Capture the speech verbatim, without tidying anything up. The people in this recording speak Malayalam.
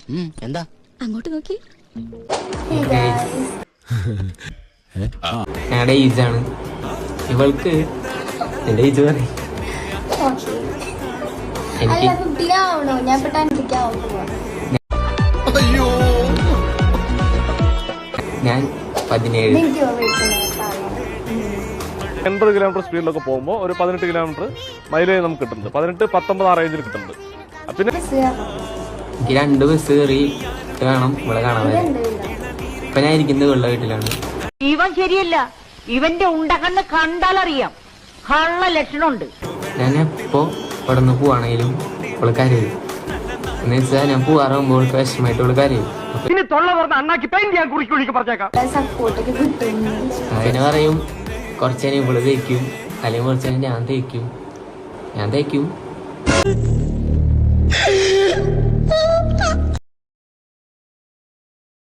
എന്താ അങ്ങോട്ട് നോക്കി. ഞങ്ങളുടെ ഏജാണ് ഇവൾക്ക്. എന്റെ ഏജ് പറയും ഞാൻ പതിനേഴ്. എൺപത് കിലോമീറ്റർ സ്പീഡിലൊക്കെ പോകുമ്പോൾ ഒരു പതിനെട്ട് കിലോമീറ്റർ മൈലേജ് നമുക്ക് കിട്ടുന്നുണ്ട്. പതിനെട്ട് പത്തൊമ്പത് ആ റേഞ്ചിൽ കിട്ടുന്നുണ്ട്. പിന്നെ എനിക്ക് രണ്ട് ബസ് കയറി വേണം ഇവിടെ കാണാൻ. ഇപ്പൊ ഞാൻ ഇരിക്കുന്നത് വെള്ള വീട്ടിലാണ്. ഇവൻ ശരിയല്ല, ഇവന്റെ ഉണ്ടകണ്ണ് കണ്ടാലറിയാം കള്ള ലക്ഷണമുണ്ട്. ഞാൻ എപ്പോ ഇവിടെ നിന്ന് പോവാണെങ്കിലും അവള് കരയും. എന്ന് വെച്ചാൽ ഞാൻ പോവാറാകുമ്പോൾ അവൾക്ക് വിഷമായിട്ട് അവള് കരയും. അതിനെ പറയും കുറച്ചേനെ ഇവള് തേക്കും, അല്ലെങ്കിൽ കുറച്ചേനെ ഞാൻ തേക്കും. ഞാൻ തേക്കും